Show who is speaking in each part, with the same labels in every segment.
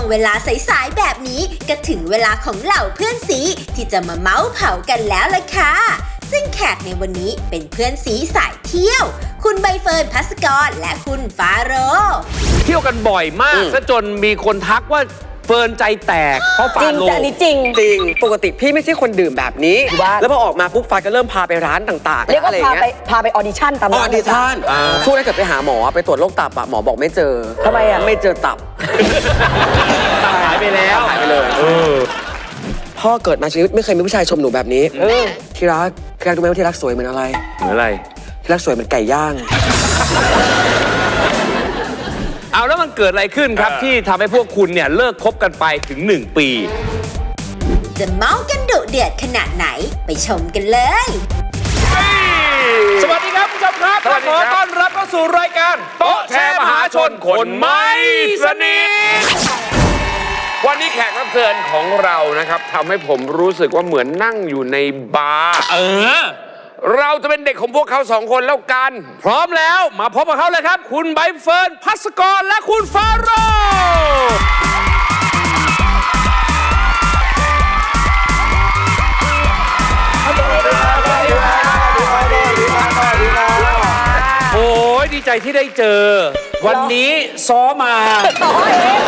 Speaker 1: งเวลาสายๆแบบนี้ก็ถึงเวลาของเหล่าเพื่อนสีที่จะมาเมาส์เผากันแล้วล่ะค่ะซึ่งแขกในวันนี้เป็นเพื่อนสีสายเที่ยวคุณใบเฟิร์น ภัสกรและคุณฟาโรห์
Speaker 2: เที่ยวกันบ่อยมากซะจนมีคนทักว่าเฟิร์นใจแตกเพราะฟาโรห์
Speaker 3: จริงแต่อันนี้จริง
Speaker 4: ปกติพี่ไม่ใช่คนดื่มแบบนี้แล้วพอออกมาปุ๊บฟ้าก็เริ่มพาไปร้านต่างๆ
Speaker 3: เรียกว่าพาไปออดิชั่นตาม
Speaker 4: ออดิชั่นช่วงนั้นเกิดไปหาหมอไปตรวจโรคตับอะหมอบอกไม่เจอ
Speaker 3: ทำไมอะ
Speaker 4: ไม่เจอตับ
Speaker 2: หายไปแล้ว
Speaker 4: หายไปเลยพ่อเกิดมาชีวิตไม่เคยมีผู้ชายชมหนูแบบนี้ที่รักรู้ไหมว่าที่รักสวยเหมือนอะไร
Speaker 2: เหมือนอะไร
Speaker 4: ที่รักสวยเหมือนไก่ย่าง
Speaker 2: เอาแล้วมันเกิดอะไรขึ้นครับที่ทำให้พวกคุณเนี่ยเลิกคบกันไปถึง1 ปี
Speaker 1: จะเมากันดุเดือดขนาดไหนไปชมกันเลย
Speaker 2: สวัสดีครับผู้ชมครับขอต้อนรับเข้าสู่รายการโต๊ะแชร์มหาชนคนไม่สนิท
Speaker 5: วันนี้แขกรับเชิญของเรานะครับทำให้ผมรู้สึกว่าเหมือนนั่งอยู่ในบาร์เราจะเป็นเด็กของพวกเขา2 คนแล้วกัน
Speaker 2: พร้อมแล้วมาพบกับเขาเลยครับคุณใบเฟิร์น ภัสกรและคุณฟาโรห์โอ้ยดีใจที่ได้เจอวันนี้ซ้อมา
Speaker 3: ซ้อ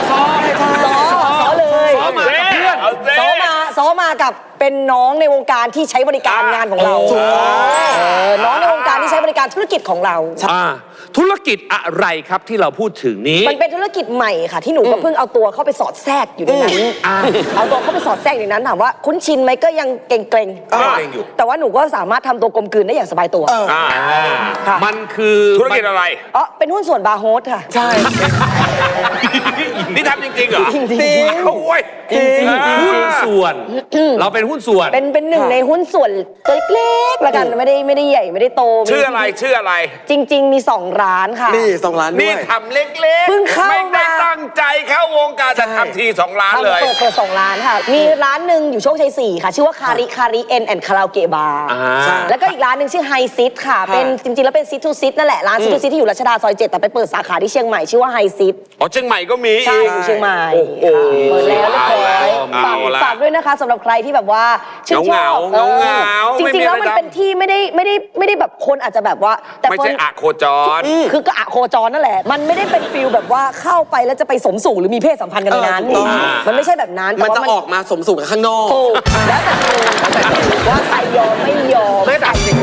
Speaker 3: เลย
Speaker 2: ซ้อมากับเพื่อน
Speaker 3: ซ้อมากับเป็นน้องในวงการที่ใช้บริการงานของเราน้องในวงการที่ใช้บริการธุรกิจของเรา
Speaker 2: ธุรกิจอะไรครับที่เราพูดถึงนี้
Speaker 3: มันเป็นธุรกิจใหม่ค่ะที่หนูก็เพิ่งเอาตัวเข้าไปสอดแทรกอยู่ในนั้นเอาตัวเข้าไปสอดแทรกในนั้นถามว่าคุ้นชินไหมก็ยังเกรงอยู่แต่ว่าหนูก็สามารถทำตัวกลมกลืนได้อย่างสบายตัว
Speaker 2: มันคือ
Speaker 5: ธุรกิจอะไร
Speaker 3: เป็นหุ้นส่วนบาร์โฮสค่ะ
Speaker 4: ใช่
Speaker 5: นี่ทำจริงๆเหรอ
Speaker 3: จริง
Speaker 5: โอ้ย
Speaker 2: หุ้นส่วนเราเป็นหุ้นส่วน
Speaker 3: เป็นหนึ่งในหุ้นส่วนตัวเล็กๆละกันไม่ได้ใหญ่ไม่ได้โต
Speaker 5: ชื่ออะไร
Speaker 3: จริงๆมี2 ร้านค่ะ
Speaker 4: นี่2 ร้านด้วย
Speaker 5: นี่ทำเล็กๆไม่ได้ตั้งใจเข้าวงการจะทำที2 ร้านเลย
Speaker 3: เปิด2 ร้านค่ะมีร้านหนึ่งอยู่โชคชัย4ค่ะชื่อว่าคาริเอ็นแอนด์คาราโอเกะบาร์แล้วก็อีกร้านหนึ่งชื่อไฮซิตค่ะเป็นจริงๆแล้วเป็นซิตทูซิตนั่นแหละร้านซิตทูซิตที่อยู่รัชดาซอย7แต่ไปเปิดสาขาที่เชียงใหม่ชื่อว่าไฮซิต
Speaker 5: เชียงใหม่ก็มี
Speaker 3: ใช่อยู่เชียงใหม่เปิดแล้วเรียบร้อยฝากด้วยนะคะสำหรับใครที่แบบว่าชื่นชอบจริงๆแล้วมันเป็นที่ไม่ได้แบบคนอาจจะแบบว่า
Speaker 5: แต่ไม่ใช่อะโคจร
Speaker 3: คือก็อะโคจรนั่นแหละมันไม่ได้เป็นฟีลแบบว่าเข้าไปแล้วจะไปสมสู่หรือมีเพศสัมพันธ์กันในนั้นมันไม่ใช่แบบนั้น
Speaker 4: มันจะออกมาสมสู่กับข้างนอก
Speaker 3: แล้วแต่ว่าใครยอมไม่ยอม
Speaker 4: ไม่แต่จริง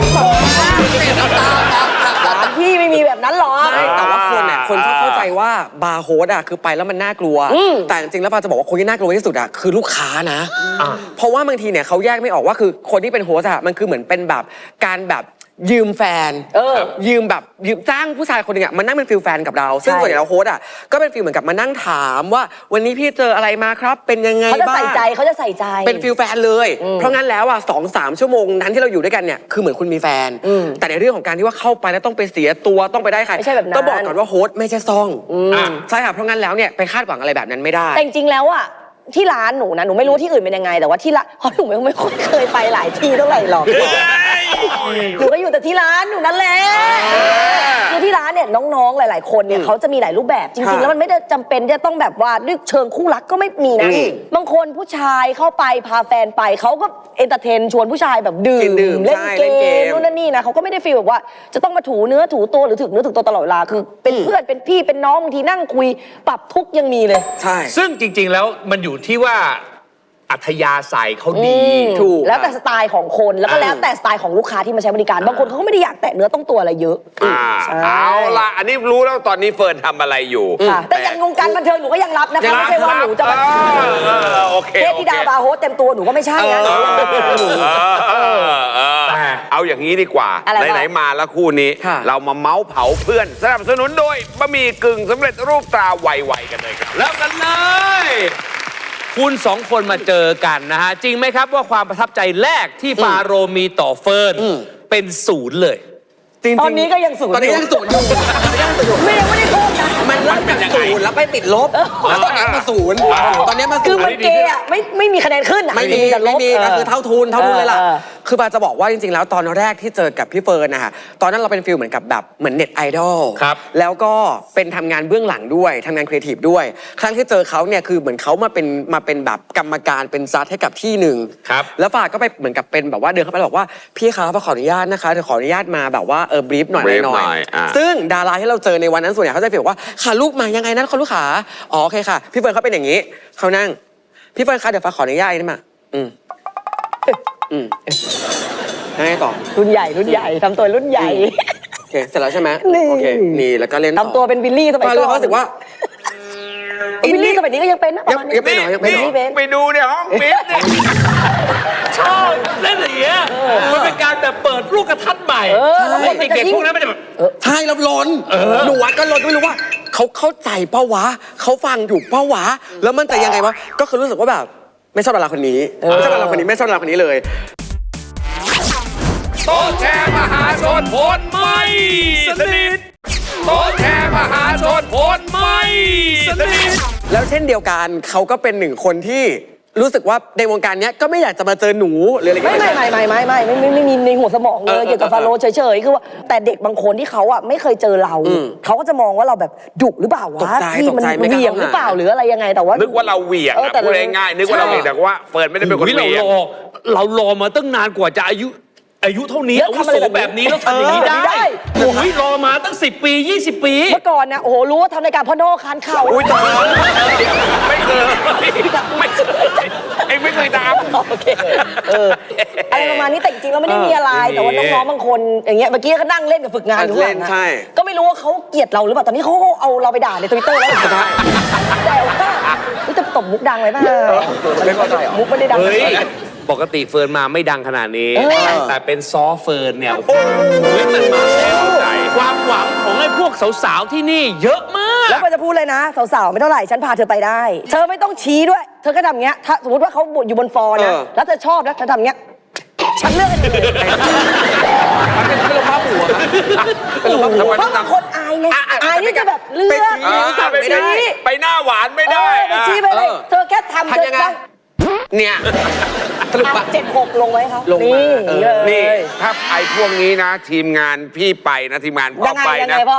Speaker 3: พี่ไม่มีแบบนั้นหรอ
Speaker 4: แต่ว่าคนชอบเข้าใจว่าบาร์โฮสคือไปแล้วมันน่ากลัวแต่จริงๆแล้วปาจะบอกว่าคนที่น่ากลัวที่สุดคือลูกค้านะเพราะว่าบางทีเนี่ยเขาแยกไม่ออกว่าคือคนที่เป็นโฮสมันคือเหมือนเป็นแบบการแบบยืมแฟนยืมจ้างผู้ชายคนหนึ่งมานั่งเป็นฟิลแฟนกับเราซึ่งส่วนใหญ่เราโฮสก็เป็นฟิลเหมือนกับมานั่งถามว่าวันนี้พี่เจออะไรมาครับเป็นยังไงบ้าง
Speaker 3: เขาจะใส่ใจ
Speaker 4: เป็นฟิลแฟนเลยเพราะงั้นแล้ว2-3 ชั่วโมงนั้นที่เราอยู่ด้วยกันเนี่ยคือเหมือนคุณมีแฟนแต่ในเรื่องของการที่ว่าเข้าไปแล้วต้องไปเสียตัวต้องไปได้ใครต้องบอกก่อนว่าโฮสไม่ใช่ซ่องใช่ค่ะเพราะงั้นแล้วเนี่ยไปคาดหวังอะไรแบบนั้นไม่ได้
Speaker 3: แต่จริงๆแล้วที่ร้านหนูนะหนูไม่รู้ที่อื่นเป็นยังไงแต่ว่าที่ร้านเพราะหนูไม่ค่อยเคยไปหลายที่เท่าไหร่หรอกหนูก็อยู่แต่ที่ร้านหนูนั่นแหละคือที่ร้านเนี่ยน้องๆหลายๆคนเนี่ยเขาจะมีหลายรูปแบบจริงๆแล้วมันไม่ได้จำเป็นจะต้องแบบว่าด้วยเชิงคู่รักก็ไม่มีนะบางคนผู้ชายเข้าไปพาแฟนไปเขาก็เอนเตอร์เทนชวนผู้ชายแบบดื่มเล่นเกมนู่นนั่นนี่นะเขาก็ไม่ได้ฟีลแบบว่าจะต้องมาถูเนื้อถูตัวหรือถึงเนื้อถึงตัวตลอดเวลาคือเป็นเพื่อนเป็นพี่เป็นน้องบางทีนั่งคุยปรับทุกยังมีเลย
Speaker 4: ใช่
Speaker 2: ซึ่งจริงๆแล้วมันอยู่ที่ว่าอัธยาศัยเขาดี
Speaker 3: ถูกแล้วแต่สไตล์ของคนแล้วก็แล้วแต่สไตล์ของลูกค้าที่มาใช้บริการบางคนเขาก็ไม่ได้อยากแตะเนื้อต้องตัวอะไรเยอะ
Speaker 5: เอาล่ะอันนี้รู้แล้วตอนนี้เฟิร์นทำอะไรอยู่
Speaker 3: แต่ยังวงการบันเทิงหนูก็ยังรับนะคะไม่ใช่ว่าหนูจะเทพธิดาบาร์โฮสเต็มตัวหนูก็ไม่ใช่นะ
Speaker 5: เอาอย่างนี้ดีกว่าไหนๆมาแล้วคู่นี้เรามาเมาส์เผาเพื่อนสนับสนุนโดยบะหมี่กึ่งสำเร็จรูปตราไวๆกันเลยครับ
Speaker 2: แล้วกันเลยคุณ2 คนมาเจอกันนะฮะจริงไหมครับว่าความประทับใจแรกที่ฟาโรห์มีต่อเฟิร์นเป็น0เลย
Speaker 3: ตอนนี้ก็ยัง0
Speaker 4: ตอนนี้ยัง0อยู่
Speaker 3: ไม่ได้โทษ
Speaker 4: มันเริ่มจากศูนย์แล้วไปติดลบแล้วตอนนี้มาศูนย์ตอนนี้มา
Speaker 3: คื
Speaker 4: ศู
Speaker 3: อน
Speaker 4: ย์
Speaker 3: มันเกย์อ่ะไม่มีคะแนนขึ้นอ่ะ
Speaker 4: ไม่มี
Speaker 3: แต่ล
Speaker 4: ไม่
Speaker 3: บ
Speaker 4: มีก็คือเท่าทุนเลยล่ะ
Speaker 3: เออ
Speaker 4: คือปาจะบอกว่าจริงๆแล้วตอนแรกที่เจอกับพี่เฟิร์นนะคะตอนนั้นเราเป็นฟิลเหมือนกับแบบเหมือนเน็ตไอดอล
Speaker 2: ครับ
Speaker 4: แล้วก็เป็นทำงานเบื้องหลังด้วยทำงานครีเอทีฟด้วยครั้งที่เจอเขาเนี่ยคือเหมือนเขามาเป็นแบบกรรมการเป็นซัดให้กับที่หนึ่ง
Speaker 2: ครับ
Speaker 4: แล้วฟ้าก็ไปเหมือนกับเป็นแบบว่าเดินเข้าไปแล้วบอกว่าพี่คะฟ้าขออนุญาตนะคะเดี๋ยวขออนุญาตมาแบบว่าบรีฟหน่อย
Speaker 5: brief
Speaker 4: หน่
Speaker 5: หน่
Speaker 4: อ
Speaker 5: อย ยอ่ะ
Speaker 4: ซึ่งดาราที่เราเจอในวันนั้นส่วนใหญ่เขาจะฟีลว่าค่ะลูกมายังไงนะคุณลูกขาอ๋อโอเคค่ะพี่เฟิร์นเขาเป็นอย่างนี้เขานั่งพี่เฟิร์นคะเดี๋ยวฟ้าขออนุญาตได้ไหมยังไงต่อ
Speaker 3: รุ่นใหญ่ทำตัวรุ่นใหญ่
Speaker 4: โอเคเสร็จแล้วใช่ไหม
Speaker 3: นี่
Speaker 4: โอเคนี่แล้วก็เล่น
Speaker 3: ทำตัวเป็นวิลลี่สมัย
Speaker 4: ก็
Speaker 3: ก่
Speaker 4: เลย
Speaker 3: อน
Speaker 4: รู้สึกว่า
Speaker 3: วิลลี่สมัยนี้ก็ยังเป็นนะประมาณนี้
Speaker 4: ยังเป็นเหรอยังเป็นเหรอ
Speaker 3: นี่เป็น
Speaker 5: ไปดูเนี่ยห้องฟิตเนี่ย
Speaker 2: ชอบเล่นอย่างเงี้ยมันเป็นการแบบเปิดลูกกระทัดใหม่
Speaker 3: แล้วคนมันจะ
Speaker 2: เด็ก
Speaker 3: ยิ่
Speaker 2: ๆ
Speaker 3: ง
Speaker 2: พวกนั้นมันจะแบบ
Speaker 4: ใช่เราลนหนูวัดก็ลนไม่รู้ว่าเขาเข้าใจเป้าวะเขาฟังถูกเป้าวะแล้วมันจะยังไงวะก็คือรู้สึกว่าแบบไม่ชอบดาราคนนี้ไม่ชอบดาราคนนี้ไม่ชอบดาราคนนี้เลย
Speaker 5: โต๊ะแชร์มหาชนผลไม่สนิทโต๊ะแชร์มหาชนผลไม่สนิท
Speaker 4: แล้วเช่นเดียวกันเขาก็เป็นหนึ่งคนที่รู้สึกว่าในวงการเนี้ยก็ไม่อยากจะมาเจอหนูหรืออะไรอย่าง
Speaker 3: ไม่
Speaker 4: เงี้ย
Speaker 3: ไม่มีในหัวสมองเลยเกี่ยวกับฟาโรห์เฉยๆคือว่าแต่เด็กบางคนที่เขาอ่ะไม่เคยเจอเราเขาก็จะมองว่าเราแบบดุหรือเปล่าวะที่มันเหวี่ยงหรือเปล่าหรืออะไรยังไงแต่ว่า
Speaker 5: นึกว่าเราเหวี่ยง
Speaker 3: แต่
Speaker 5: พูดง่ายๆนึกว่าเราเหวี่ยงแต่ว่าเฟิร์นไม่ได้เป็นคน
Speaker 2: อุ๊ย
Speaker 5: เหวี่ยง
Speaker 2: เรารอมาตั้งนานกว่าจะอายุเท่านี้
Speaker 3: แล้ว
Speaker 2: อาวุ
Speaker 3: ทำอะ
Speaker 2: โส
Speaker 3: ไรแบบนี้
Speaker 2: แบบนี้แล้วทำอย่างนี้
Speaker 3: ได้
Speaker 2: ได้โอ้ยรอมาตั้ง10 ปี 20 ปี
Speaker 3: เมื่อก่อนนะโอ้โหรู้ว่าทำรายการพ่อโน่คานเข่า
Speaker 5: อุ้ยตายไม่เคยไม่เคยตาม
Speaker 3: โอเคอะไรประมาณนี้แต่จริงๆแล้วไม่ได้มีอะไรแต่ว่าน้องๆบางคนอย่างเงี้ยเมื่อกี้ก็นั่งเล่นกับฝึกงานอยู่ข้างหลังนะ
Speaker 4: ใช่
Speaker 3: ก็ไม่รู้ว่าเขาเกลียดเราหรือเปล่าตอนนี้เขาเอาเราไปด่าในทวิตเตอร์แล้วแต่ว่าจะตบมุกดังไว้ป่ะ
Speaker 4: ไม่เข้าใจเหรอ
Speaker 3: มุกไม่ได้ดัง
Speaker 2: เฮ้ย ปกติเฟิร์นมาไม่ดังขนาดนี้ แต่เป็นซอเฟิร์นเนี่ย โอ้โหมันมาแล้วใจความหวังของไอ้พวกสาวๆที่นี่เยอะมาก
Speaker 3: แล้วก็จะพูดเลยนะสาวๆไม่เท่าไหร่ฉันพาเธอไปได้ เธอไม่ต้องชี้ด้วย เธอก็ทำเงี้ยถ้าสมมติว่าเขาอยู่บนฟอร์นะแล้วเธอชอบนะเธอทำเงี้ยฉันเลือกให้เธอเลย
Speaker 4: มันเป็นลมบ้าหัวเป็นลมบ้าหัว
Speaker 3: เพราะบางคนอายไงอายที่จะแบบเลือก
Speaker 5: ไปชี้ไปหน้าหวานไม่ได้
Speaker 3: ไปชี้ไปเลยเธอแค่ทำ
Speaker 4: ทำยังไง เนี่ยสรุปว่า
Speaker 3: 7-6ลงไว้เขา
Speaker 4: ลงมา
Speaker 5: นี่ถ้าไอ้พวกนี้นะ ทีมงานพี่ไปนะทีมงานพ่อ
Speaker 3: ยังไง
Speaker 5: ไป
Speaker 3: ยัง
Speaker 5: นะ
Speaker 3: ไงพ่อ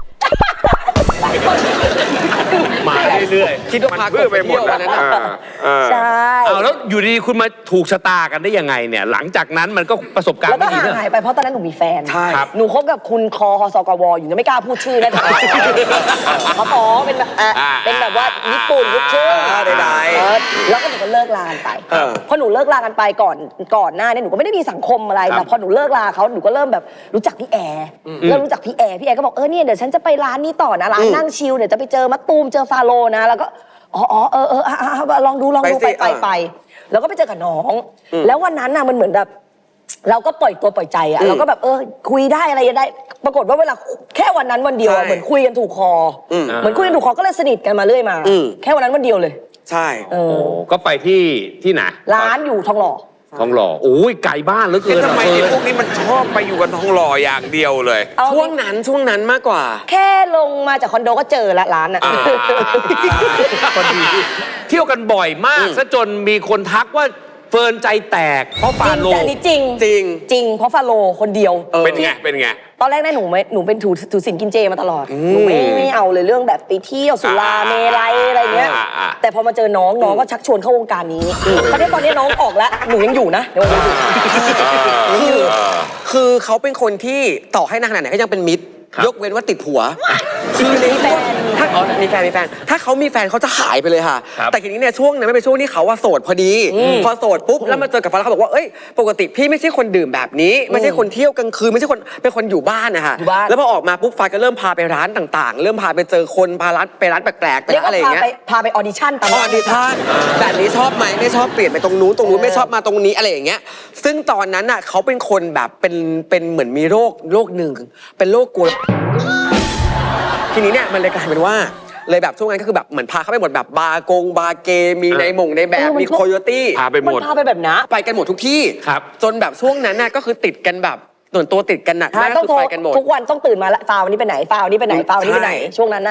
Speaker 2: มาเรื่อย
Speaker 4: คิดว่าพา
Speaker 5: เพื่อไปหมด
Speaker 4: เที่ยว
Speaker 5: นะ
Speaker 4: วันนั้น
Speaker 3: ใช่
Speaker 2: ๆเอาแล้วอยู่ดีๆคุณมาถูกชะตากันได้ยังไงเนี่ย หลังจากนั้นมันก็ประสบการณ์
Speaker 3: แล้วก็
Speaker 2: ไม่ดี
Speaker 3: ห่าง
Speaker 2: เนอะ
Speaker 3: หายไปเพราะตอนนั้นหนูมีแฟน
Speaker 4: ใช่
Speaker 2: ครับ
Speaker 3: หนูคบกับคุณคอสกวอยู่ยังไม่กล้าพูดชื่อนะเขาป๋อเป็นแบบเป็นแบบว่าญี่ปุ่นลูกครึ่ง
Speaker 4: ใด
Speaker 3: แล้วก็หนูก็เลิกลากันไป พอหนูเลิกลากันไปก่อนหน้าเนี่ยหนูก็ไม่ได้มีสังคมอะไรแต่พอหนูเลิกลาเขาหนูก็เริ่มแบบรู้จักพี่แอร์เริ่มรู้จักพี่แอร์ก็บอกเนี่ยเดี๋ยวฉันจะไปร้านนี้ต่อนะร้านนั่งชิลเดี๋ยวจะไปเจอมะตูมเจอฟาโรห์นะแล้วก็ลองดูไปแล้วก็ไปเจอกับน้อง แล้ววันนั้นน่ะมันเหมือนแบบเราก็ปล่อยตัวปล่อยใจอะเราก็แบบคุยได้อะไรได้ ปรากฏว่าเวลาแค่วันนั้นวันเดียวอะเหมือนคุยกันถูกคอเหมือนคุยกันถูกคอก็เลยสนิทกันมาเรื่อยมา แค่วันนั้นวันเดียวเลย
Speaker 4: ใช่
Speaker 2: โอ้ก็ไปที่ไหน
Speaker 3: ร้านอยู่ทองหล่อ
Speaker 2: ทองหล่อโอ้ยไกลบ้านเหลือเกิน
Speaker 5: ทำไม
Speaker 2: อะ
Speaker 5: ไอ้
Speaker 2: เฟิร์น
Speaker 5: พวกนี้มันชอบไปอยู่กันทองหล่ออย่างเดียวเลย
Speaker 4: ช่วงนั้นมากกว่า
Speaker 3: แค่ลงมาจากคอนโดก็เจอละร้านอะ
Speaker 2: พอดีเที่ยวกันบ่อยมากซะจนมีคนทักว่าเฟิร์นใจแตกเพราะฟาโล
Speaker 3: แต่อันนี้จริง
Speaker 4: จริง
Speaker 3: เพราะฟาโรห์คนเดียว
Speaker 5: เป็นไงเป็นไง
Speaker 3: ตอนแรกเนี่ยหนูเป็นถือศีลกินเจมาตลอดหนูไม่เอาเลยเรื่องแบบไปเที่ยวสุราเมลัยอะไรเงี้ยแต่พอมาเจอน้องก็ชักชวนเข้าวงการนี้ตอนนี้น้องออกแล้วหนูยังอยู่นะเดี๋ยวหนูอยู่
Speaker 4: คือเขาเป็นคนที่ต่อให้นานขนาดไหนก็ยังเป็นมิตร ยกเว้นว่าติดผัวคือในแฟนถ้ามีแฟนถ้าเขามีแฟนเขาจะหายไปเลยค่ะ แต่ทีนี้เนี่ยช่วงนั้นไม่เป็นช่วงที่เขาว่าโสดพอดีพอโสดปุ๊บแล้วมาเจอกับฟ้าเขาบอกว่าเอ้ยปกติพี่ไม่ใช่คนดื่มแบบนี้ไม่ใช่คนเที่ยวกลางคืนไม่ใช่คนเป็นคนอยู่บ้านนะคะแล้วพอออกมาปุ๊บฟ้าก็เริ่มพาไปร้านต่างๆ เริ่มพาไปเจอคนพาไปร้านแปลกๆไป
Speaker 3: เรียก
Speaker 4: อะไร
Speaker 3: ว่า
Speaker 4: อย่างเงี้ย
Speaker 3: พาไปออดิชั่นตาม
Speaker 4: ออดิชั่นแบบนี้ชอบไหมไม่ชอบเปลี่ยนไปตรงนู้นไม่ชอบมาตรงนี้อะไรอย่างเงี้ยซึ่งตอนนั้นน่ะเขาเป็นคนแบบเป็นเหมือนมีโรคหนึ่งเป็นโรคกลัวทีนี้เนี่ยมันเลยกลายเป็นว่าเลยแบบช่วงนั้นก็คือแบบเหมือนพาเข้าไปหมดแบบบาร์เกมีในแบบมีโคโยตี้
Speaker 5: พาไปหมด
Speaker 3: พาไปแบบนะ
Speaker 4: ไปกันหมดทุกที่จนแบบช่วงนั้นน่ะก็คือติดกันแบบส่วนตัวติดกันหนักมาก
Speaker 3: ต้อง
Speaker 4: คือ
Speaker 3: โทร
Speaker 4: ไปกันหมด
Speaker 3: ทุกวันต้องตื่นมาละฟาววันนี้ไปไหนฟาววันนี้ไปไหนฟาววันนี้ไปไหนช่วงนั้นน่ะ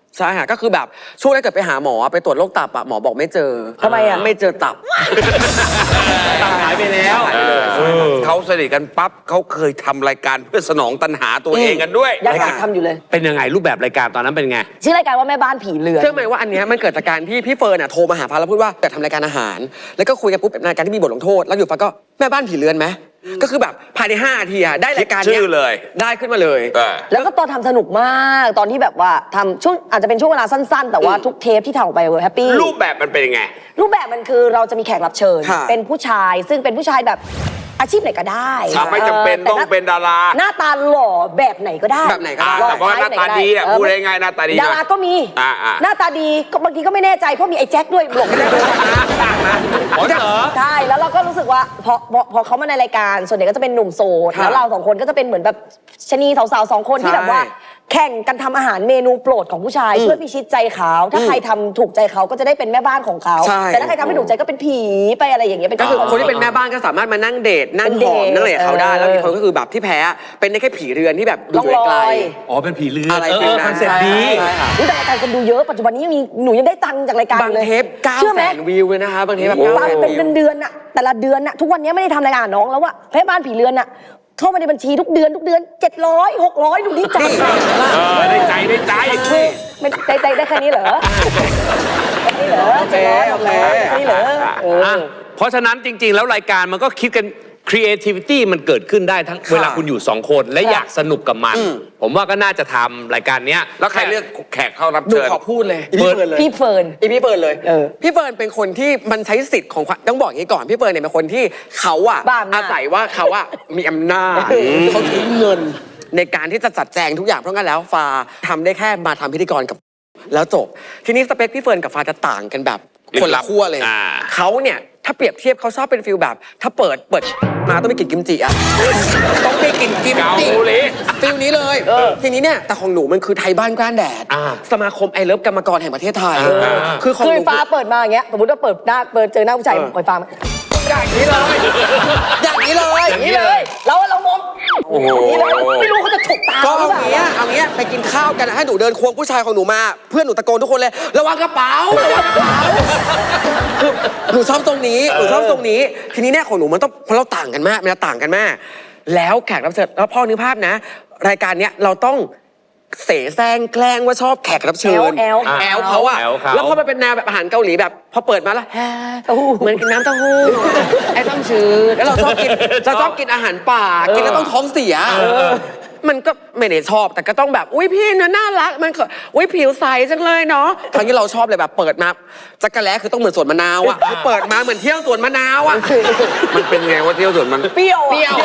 Speaker 4: ใช่ค่ะก็คือแบบช่วงแรกเกิดไปหาหมอไปตรวจโรคตับอะหมอบอกไม่เจอ
Speaker 3: ทำไมอะ
Speaker 4: ไม่เจอตับ
Speaker 2: หายไปแล้ว
Speaker 5: เขาสนิทกันปั๊บเขาเคยทำรายการเพื่อสนองตัณหาตัวเองกันด้วย
Speaker 3: ยังอยากทำอยู่เลย
Speaker 2: เป็นยังไงรูปแบบรายการตอนนั้นเป็นไง
Speaker 3: ชื่อรายการว่าแม่บ้านผีเรือน
Speaker 4: เชื่อไหมว่าอันเนี้ยมันเกิดจากการที่พี่เฟิร์นอะโทรมาหาฟ้าแล้วพูดว่าอยากทำรายการอาหาร แล้วก็คุยกันปุ๊บเป็นรายการที่มีบทลงโทษแล้วอยู่ฟ้าก็แม่บ้านผีเรือนไหมก็คือแบบภายใน5 นาทีอะได้รายการ
Speaker 5: ชื่
Speaker 4: เนี้
Speaker 5: อเลย
Speaker 4: ได้ขึ้นมาเลย
Speaker 3: แล้วก็ตอนทำสนุกมากตอนที่แบบว่าทำช่วงอาจจะเป็นช่วงเวลาสั้นๆ แต่ว่าทุกเทปที่ทำออกไปแฮปปี้
Speaker 5: รูปแบบมันเป็นยังไง
Speaker 3: รูปแบบมันคือเราจะมีแขกรับเชิญ
Speaker 4: ค่ะ
Speaker 3: เป็นผู้ชายซึ่งเป็นผู้ชายแบบอาชีพไหนก็ได้
Speaker 5: ไม่จำเป็นต้องเป็นดารา
Speaker 3: หน้าตาหล่อแบบไหนก็ได้
Speaker 4: แบบไหนก็ได้
Speaker 3: ล่อ
Speaker 5: แต่ว่าหน้าตาดีอะ
Speaker 3: เ
Speaker 5: พูดง่ายๆหน้าตาดี
Speaker 3: ดาราก็มี
Speaker 5: อ่า
Speaker 3: หน้าตาดีก็บางทีก็ไม่แน่ใจเพราะมีไอ้แจ็คด้วยหลงไม่ได้ด้วย
Speaker 2: อ๋อเหรอ
Speaker 3: ใช่แล้วเราก็รู้สึกว่าพอเขามาในรายการส่วนใหญ่ก็จะเป็นหนุ่มโสด
Speaker 4: ค่ะ
Speaker 3: แล้วเราสองคนก็จะเป็นเหมือนแบบชะนีสาวๆ2 คนที่
Speaker 4: ใช่
Speaker 3: แบบว่าแข่งกันทำอาหารเมนูโปรดของผู้ชายเพื่อพิชิตใจเขาถ้าใครทำถูกใจเขาก็จะได้เป็นแม่บ้านของเขา
Speaker 4: ใช่
Speaker 3: แต่ถ้าใครทำไม่ถูกใจก็เป็นผีไปอะไรอย่างเงี้ยเป็น
Speaker 4: ก็คือ
Speaker 3: วาม
Speaker 4: คนที่เป็นแม่บ้านก็สามารถมานั่งเดทนั่ง
Speaker 3: เป็น
Speaker 4: ห
Speaker 3: เด
Speaker 4: อ
Speaker 3: ท
Speaker 4: มนั่งอะไรกับเขาได้
Speaker 3: เออ
Speaker 4: แล้วมีคนก็คือแบบที่แพ้เป็นได้แค่ผีเรือนที่แบบดู
Speaker 3: ล่อง
Speaker 4: อยู่
Speaker 3: ล
Speaker 4: ไกล
Speaker 3: อย
Speaker 2: อ๋อเป็นผีเรือน
Speaker 4: อะไร
Speaker 2: เอ
Speaker 4: ฟิล
Speaker 2: อ
Speaker 4: นั้น
Speaker 2: คอนเซ็ปต์ดี
Speaker 4: ใช่ค่ะ
Speaker 3: อุ๊ยแต่รายการคนดูเยอะปัจจุบันนี้ยังมีหนูยังได้ตังค์จากรายการ
Speaker 4: บาง
Speaker 3: เลย
Speaker 4: เทป
Speaker 3: เชื่อไหม
Speaker 4: 900,000 วิวเลยนะคะบางเทปแบบ
Speaker 3: ตังค์
Speaker 4: 900,000
Speaker 3: เป็น
Speaker 4: วิว
Speaker 3: เดือนๆน่ะแต่ละเดือนน่ะทุกวันนี้ไม่ได้ทำรายการน้องแล้วว่าแม่บ้านผีเรือนน่ะเข้ามาในบัญชีทุกเดือน700 600ดูดีใจ
Speaker 5: ได้ใจได้ใจ
Speaker 3: ไม่ได้แค่นี้เหรอแค่นี้เหรอ
Speaker 4: โอเคโอเค
Speaker 3: แค่นี้เหรอเออ
Speaker 2: อ่ะเพราะฉะนั้นจริง ๆ แล้วรายการมันก็คิดกัน creativity มันเกิดขึ้นได้ทั้งเวลาคุณอยู่2 คนและอยากสนุกกับมัน ผมว่าก็น่าจะทำรายการเนี้ย
Speaker 5: แล้วใครเลือกแขกเข้ารับ
Speaker 4: หนู
Speaker 5: เชิญ
Speaker 4: ขอพูดเลยพี่เฟิร์นเลย
Speaker 3: พี่เฟิร์น
Speaker 4: พี่เฟิร์นเลย
Speaker 3: เออ
Speaker 4: พี่เฟิร์นเป็นคนที่มันใช้สิทธิ์ของความต้องบอกอย่างนี้ก่อนพี่เฟิร์นเนี่ยเป็นคนที่เขาอะ
Speaker 3: บ้าอำนาจ
Speaker 4: อาศัยว่าเขาอะมีอำนาจเขาใช้เงินในการที่จะจัดแจงทุกอย่างเพราะงั้นแล้วฟ้าทำได้แค่มาทำพิธีกรกับแล้วจบ ทีนี้สเปคพี่เฟิร์นกับฟ้าจะต่างกันแบบคนละขั้วเลย
Speaker 5: อ่า
Speaker 4: เขาเนี่ยถ้าเปรียบเทียบเขาชอบเป็นฟิลแบบ ถ้าเปิดมาต้องไปกินกิมจิอะต้องไปกินกิม
Speaker 5: เกา
Speaker 4: จิ
Speaker 5: หลี
Speaker 4: ฟิลนี้เลยทีนี้เนี่ยแต่ของหนูมันคือไทยบ้านกล้านแดด สมาคมไอเลิฟกรรมกรแห่งประเทศไทย คือของ
Speaker 3: คือ
Speaker 4: หนู
Speaker 3: ฟ้าเปิดมาอย่างเงี้ยสมมติว่าเปิดเจอหน้าผู้ชายคอยฟ้ามา
Speaker 4: อย่างนี้เลยอย่างนี้เลย
Speaker 3: อย่างนี้เลยเรามอง
Speaker 5: โอ้โห
Speaker 3: อย่างนี้เลยไม่รู้เขาจะฉกตา
Speaker 4: ก็
Speaker 3: หรือ
Speaker 4: เอา
Speaker 3: เปล่า
Speaker 4: งี้เอางี้ไปกินข้าวกันนะให้หนูเดินควงผู้ชายของหนูมา เพื่อนหนูตะโกนทุกคนเลยระวังกระเป๋าระวังกระเป๋าคือหนูชอบตรงนี้หนูชอบตรงนี้ ทีนี้เนี่ยของหนูมันต้องเพราะเราต่างกันมากมันต่างกันมาก แล้วแขกรับเชิญแล้วพ่อนึกภาพนะ รายการเนี้ยเราต้องเสแสร้งแกล้งว่าชอบแขกรับเชิญ
Speaker 3: แอล
Speaker 4: แอลเขาอะ
Speaker 2: แอลเขา
Speaker 4: แล้วพอมันเป็นแนวแบบอาหารเกาหลีแบบพอเปิดมาแล้วแฮะเหมือนกินน้ำเต้าหู้ไอ้ต้มชื้นแล้วเราชอบกินอาหารป่ากินแล้วต้องท้องเสียมันก็ไม่ได้ชอบแต่ก็ต้องแบบอุ้ยพี่น่ารักมันก็อุ้ยผิวใสจังเลยเนาะครั้งที่เราชอบเลยแบบเปิดมาจักรแล้คือต้องเหมือนสวนมะนาวอะคือเปิดมาเหมือนเที่ยวสวนมะนาวอะ
Speaker 5: มันเป็นไงว่าเที่ยวสวนมัน
Speaker 3: เปรี้ยว
Speaker 4: เปรี้ยว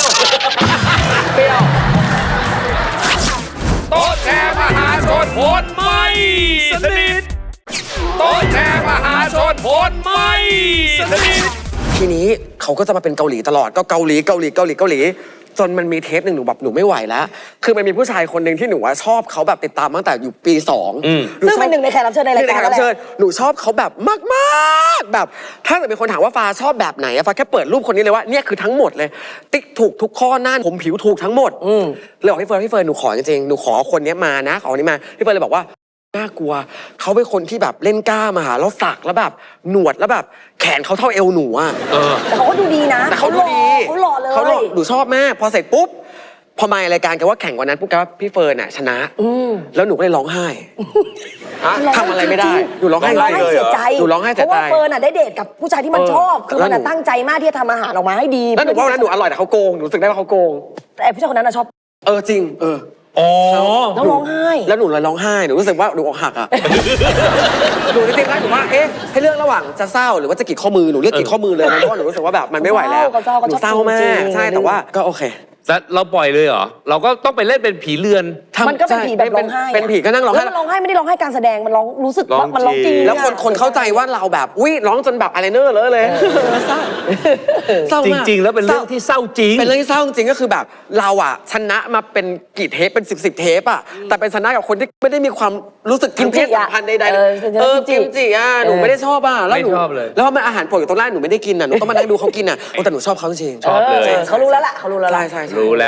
Speaker 5: โต๊ะแชร์มหาชนผลไม่สนิทโต๊ะแชร์มหาชนผลไม่สนิท
Speaker 4: ทีนี้เขาก็จะมาเป็นเกาหลีตลอดก็เกาหลีจนมันมีเทปหนึ่งหนูแบบหนูไม่ไหวแล้ว คือมันมีผู้ชายคนหนึ่งที่หนูว่าชอบเขาแบบติดตามตั้งแต่อยู่ปี2
Speaker 3: ซึ่งเป็นหนึ่งในแขกรับเชิญในราย
Speaker 4: ใน
Speaker 3: การ
Speaker 4: แขกรับเชิญหนูชอบเขาแบบมากๆแบบถ้าเกิดเป็นคนถามว่าฟ้าชอบแบบไหนอะฟ้าแค่เปิดรูปคนนี้เลยว่าเนี่ยคือทั้งหมดเลยติ๊กถูกทุกข้อหน้าผมผิวถูกทั้งหมดเลยบอกพี่เฟิร์นหนูขอจริงๆหนูขอคนนี้มานะขอคนนี้มาพี่เฟิร์นเลยบอกว่าน่ากลัวเขาเป็นคนที่แบบเล่นกล้ามอะแล้วสักแล้วแบบหนวดแล้วแบบแขนเขาเท่าเอวหนูอะ
Speaker 3: แต่เขาก็ดูดีนะ
Speaker 4: แต่เขาดูดี
Speaker 3: เขาหล่อเลย
Speaker 4: เขาหล่อหนูชอบมากพอเสร็จปุ๊บพอมารายการกันว่าแข่งวันนั้นปุ๊บก็พี่เฟิร์นอะชนะแล้วหนูก็เลยร้องไห้ ทำอะไรไม่ได้หนูร้องไห้
Speaker 3: เสียใจ
Speaker 4: หนูร้องไห้เสียใจ
Speaker 3: เพราะว่าเฟิร์นอ่ะได้เดทกับผู้ชายที่มันชอบ คือมันอะตั้งใจมากที่จะทำอาหารออกมาให้ดี
Speaker 4: แล้วหนูว่าวันนั้นหนูอร่อยแต่เขาโกงหนูรู้สึกได้ว่าเขาโกง
Speaker 3: แต่ผู้ชายคนนั้นอะชอบ
Speaker 4: จริง
Speaker 2: อ๋อ
Speaker 3: แล้วร้องไห้
Speaker 4: แล้วหนูเลยร้องไห้หนูรู้สึกว่าหนูอกหักอะหนูจริงๆแล้วหนูว่าให้เลือกระหว่างจะเศร้าหรือว่าจะกรีดข้อมือหนูเลือกกรีดข้อมือเลยนะเพราะว่าหนูรู้สึกว่าแบบมันไม่ไหวแล้ว
Speaker 3: เขาเศร้า
Speaker 4: หนูเศร้ามากใช่แต่ว่าก็โอเค
Speaker 2: แล้วเราปล่อยเลยเหรอ เราก็ต้องไปเล่นเป็นผีเรือน
Speaker 3: มันก็เป็นผีแบบร้องไห้อะ
Speaker 4: เป็นผีก็นั่งร้อง
Speaker 3: แล้
Speaker 4: ไห้
Speaker 3: วมันร้องไห้ไม่ได้ร้องไห้การแสดงมันร้องรู้สึกว่ามันร้องจริง
Speaker 4: แล้วคนเข้าใจว่าเราแบบอุ้ยร้องจนแบบอะไรเนอร์เลยเศร้า
Speaker 2: จ
Speaker 4: มาก
Speaker 2: ริง ๆ แล้วเป็นเรื่องที่เศร้าจริง
Speaker 4: เป็นเรื่องที่เศร้าจริงก็คือแบบเราอะชนะมาเป็นกี่เทปเป็น10 เทปอะแต่เป็นชนะกับคนที่ไม่ได้มีความรู้สึกทางเพศสัมพันธ์ใดๆกิมจิอะหนูไม่ได้ชอบอะแล้วหนู
Speaker 2: ไม่ชอบเลย
Speaker 4: แล้วมันอาหารโปรดอยู่ตรงหน้าหนูไม่ได้กินอะหนูต้องมานั่งดูเขากินอะแต่หนูชอบเขาจริง
Speaker 2: ชอบเลย
Speaker 3: เขารู้แล้วล่ะเขารู้แล้วล่ะ
Speaker 4: ใช่
Speaker 2: รู้แล้ว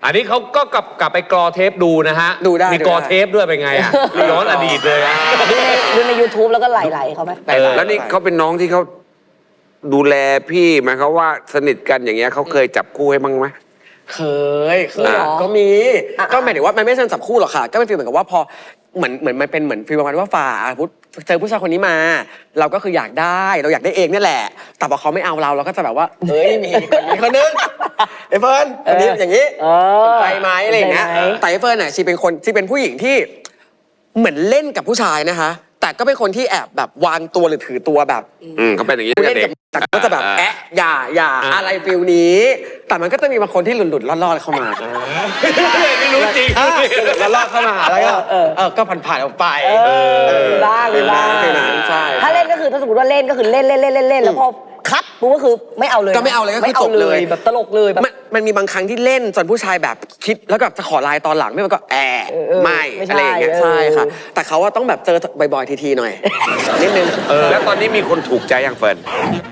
Speaker 2: อันนี้เขาก็กลับไปกรอเทปดูนะฮะ
Speaker 4: ดูได้
Speaker 2: มีกรอเทปด้วยเป็นไงอ่ะย้อนอดีตเลยอะ
Speaker 3: ดูใน YouTube แล้วก็ไหลๆเขาไหม
Speaker 5: แล้วนี่เขาเป็นน้องที่เขาดูแลพี่หมายเขามว่าสนิทกันอย่างเงี้ยเขาเคยจับคู่ให้บ้างไหม
Speaker 4: เคยก็มีก็หมายถึงว่ามันไม่ใช่จับคู่หรอกค่ะก็เป็นฟีลเหมือนกับว่าพอเหมือนมันเป็นเหมือนฟีลประมาณว่าฝ่าเจอผู้ชายคนนี้มา เราก็คืออยากได้เราอยากได้เองนี่แหละแต่พอเขาไม่เอาเราก็จะแบบว่าเฮ้ยมีคนนึงไอ้เฟิร์นคนนี้อย่างนี้ไปไหมอะไรอย่างเงี้ยแต่ไอ้เฟิร์นน่ะชีเป็นผู้หญิงที่เหมือนเล่นกับผู้ชายนะคะแต่ก็เป็นคนที่แอบแบบวางตัวหรือถือตัวแบบ
Speaker 5: เขาเป็นอย่างนี้
Speaker 4: เล่น
Speaker 5: เด็
Speaker 4: กั
Speaker 5: ก
Speaker 4: บแต่ก็จะแบบอย่าอะไรฟิลนี้ แต่มันก็จะมีบางคนที่หลุดๆรอดๆเข้ามา
Speaker 2: ไม่รู้จริง
Speaker 4: รอดๆเข้ามาแล้วก็ก็ผ่านๆออกไป
Speaker 3: มีบ้าง
Speaker 4: ใช่
Speaker 3: ถ้าเล่นก็คือถ้าสมมติว่าเล่นก็คือเล่นแล้วพอคัดปุ๊บก็คือไม่เอาเลย
Speaker 4: ก็ไม่เอาเลยก็คือจบเลย
Speaker 3: แบบตลกเลยแบบ
Speaker 4: มันมีบางครั้งที่เล่นจนผู้ชายแบบคิดแล้วก็จะขอไลน์ตอนหลังไม่มันก็ไม่อะไรอย่างเงี้ยใช่ค่ะแต่เขาว่าต้องแบบเจอบ่อยๆทีๆหน่อยนิดนึง
Speaker 5: แล้วตอนนี้มีคนถูกใจยังเฟิร์น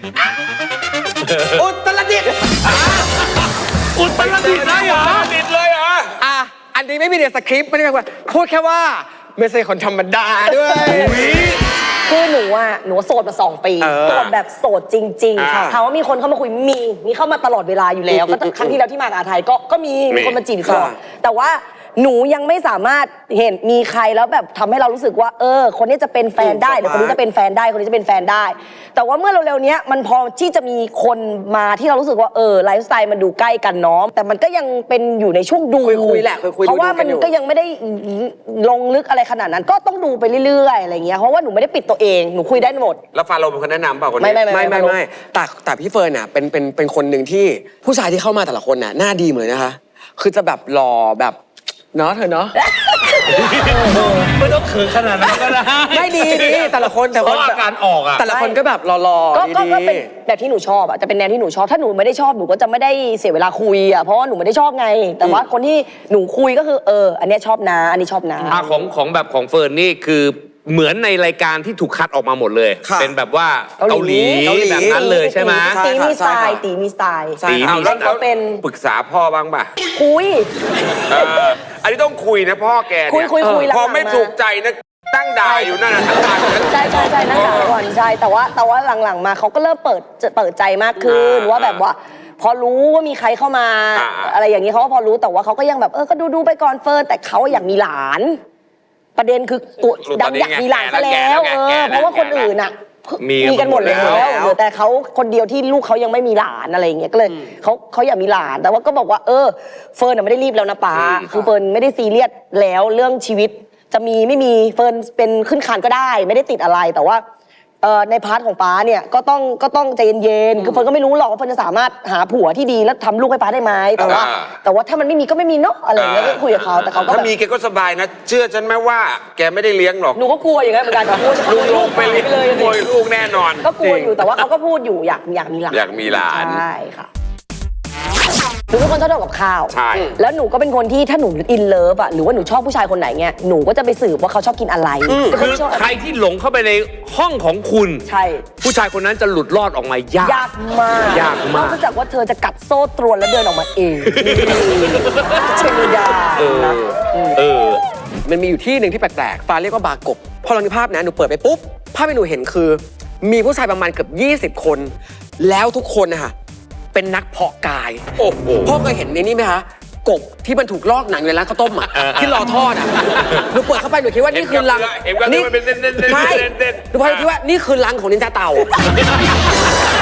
Speaker 4: อุตรดิตถ์
Speaker 2: อุตรดิตถ์ได้เหรอ
Speaker 5: ติดเลยเหรอ
Speaker 4: อันนี้ไม่มีในสคริปต์ไม่ได้แบบว่าพูดแค่ว่าไม่ใช่คนธรรมดาด้วย
Speaker 3: คือหนูโสดมา2 ปีโสดแบบโสดจริงๆถามว่ามีคนเข้ามาคุยมีเข้ามาตลอดเวลาอยู่แล้วก็ครั้งที่แล้วที่มากับอาไทยก็มีคนมาจีบตลอดแต่ว่าหนูยังไม่สามารถเห็นมีใครแล้วแบบทำให้เรารู้สึกว่าคนนี้จะเป็นแฟนได้หรือคนนี้จะเป็นแฟนได้คนนี้จะเป็นแฟนได้ แต่ว่าเมื่อเร็วๆนี้มันพอที่จะมีคนมาที่เรารู้สึกว่าไลฟ์สไตล์มันดูใกล้กันเนาะแต่มันก็ยังเป็นอยู่ในช่วงดู
Speaker 4: คุยแหละคุย
Speaker 3: เพราะว่ามันก็ยังไม่ได้ลงลึกอะไรขนาดนั้นก็ต้องดูไปเรื่อยๆอะไรเงี้ยเพราะว่าหนูไม่ได้ปิดตัวเองหนูคุยได้หมด
Speaker 5: แล้วฟาโรห์เป็นคนแนะนำเปล่าคนนี้
Speaker 4: ไม่แต่พี่เฟิร์นน่ะเป็นคนหนึ่งที่ผู้ชายที่เข้ามาแต่ละคนน่ะหน้าดีหมดเลยนะคะคือจะแบบหล่อแบบเนาะเธอเนาะ
Speaker 2: ไม่ต้องเขินขนาดนั้นก็ได้
Speaker 4: ไม่ดีแต่ละคนแต่
Speaker 2: เพราะอาการออกอ่ะ
Speaker 4: แต่ละคนก็แบบหล่อๆ
Speaker 3: ก็
Speaker 4: ดี
Speaker 3: เป็นแบบที่หนูชอบอ่ะจะเป็นแนวที่หนูชอบถ้าหนูไม่ได้ชอบหนูก็จะไม่ได้เสียเวลาคุยอ่ะเพราะว่าหนูไม่ได้ชอบไง แต่ว่าคนที่หนูคุยก็คืออันเนี้ยชอบนะอันนี้ชอบนะ
Speaker 2: ของแบบของเฟิร์นนี่คือเหมือนในรายการที่ถูกคัดออกมาหมดเลย เป็นแบบว่าเกาหลีแบบนั้นเลยใช่ไหม
Speaker 3: ตีมีสไตล์ตีมีสไตล์
Speaker 2: ตีมี
Speaker 5: แล้ว
Speaker 3: เขาเป็น
Speaker 5: ปรึกษาพ่อบ้างป่ะ
Speaker 3: คุย
Speaker 5: อันนี้ต้องคุยนะพ่อแกเนี่ย
Speaker 3: คุยหลังๆ
Speaker 5: พอไม่
Speaker 3: มา
Speaker 5: ถูกใจนะตั้งด่าอยู่นั่นน่ะทั้งวัน
Speaker 3: ใช่นั่งด่าก่อนใช่แต่ว่าหลังๆมาเขาก็เริ่มเปิดใจมากขึ้นว่าแบบว่าพอรู้ว่ามีใครเข้ามาอะไรอย่างนี้เขาก็พอรู้แต่ว่าเขาก็ยังแบบก็ดูไปก่อนเฟิร์นแต่เขาอยากมีหลานประเด็นคือตัวดำอยากมีหลานซะแล้วเพราะว่าคนอื่นอ่ะมีกันหมดแล้วเหลือแต่เขาคนเดียวที่ลูกเขายังไม่มีหลานอะไรอย่างเงี้ยก็เลยเขาอยากมีหลานแต่ว่าก็บอกว่าเฟิร์นไม่ได้รีบแล้วนะป้าคือเฟิร์นไม่ได้ซีเรียสแล้วเรื่องชีวิตจะมีไม่มีเฟิร์นเป็นขึ้นคานก็ได้ไม่ได้ติดอะไรแต่ว่าในพาร์ทของป้าเนี่ยก็ต้องใจเย็นๆคือเฟิร์นก็ไม่รู้หรอกว่าเฟิร์นจะสามารถหาผัวที่ดีแล้วทำลูกให้ป้าได้ไหมแต่ว่าถ้ามันไม่มีก็ไม่มีเนาะอะไรอย่างเงี้ยก็คุยกับเขาแต่เขาก็
Speaker 5: ถ้า
Speaker 3: แบบ
Speaker 5: มีแกก็สบายนะ เชื่อฉันไหมว่าแกไม่ได้เลี้ยงหรอก
Speaker 3: หนูก็กลัวอย่างนั้นเหมือนกันกลัวจะขโมยลูกไปเลย
Speaker 5: ขโมยลูกแน่นอน
Speaker 3: ก็กลัวอยู่แต่ว่าเขาก็พูดอยู่อยากมีหลาน
Speaker 5: อยากมีหลาน
Speaker 3: ใช่ค่ะหนูเป็นคนชอบทำกับข้าว
Speaker 5: ใช่
Speaker 3: แล้วหนูก็เป็นคนที่ถ้าหนูอินเลิฟอะหรือว่าหนูชอบผู้ชายคนไหนเงี้ยหนูก็จะไปสืบว่าเขาชอบกินอะไร
Speaker 2: คือใครที่หลงเข้าไปในห้องของคุณ
Speaker 3: ใช่
Speaker 2: ผู้ชายคนนั้นจะหลุดรอดออกมายาก
Speaker 3: ยากมาก
Speaker 2: ยากมาก
Speaker 3: นอกจากว่าเธอจะกัดโซ่ตรวนแล้วเดินออกมาเองเชนยานะ
Speaker 4: มันมีอยู่ที่หนึ่งที่แปลกๆฟ้าเรียกว่าบาร์กบพอเรามีภาพนะหนูเปิดไปปุ๊บภาพที่หนูเห็นคือ มีผู้ชายประมาณเกือบ20 คน แล้วทุกคนนะคะเป็นนักเพาะกาย
Speaker 5: โอ้โห
Speaker 4: พ่อเคยเห็นในนี้ไหมคะกบที่มันถูกลอกหนังในร้านข้าวต้มอ่ะที่รอทอดอ่ะหนูเปิดเข้าไปหนูคิดว่านี่คือรัง
Speaker 5: เห็นกันเลยมันเป็นเส้นๆๆๆๆ
Speaker 4: ใช่หนูพอคิดว่านี่คือรังของนินจาเต่า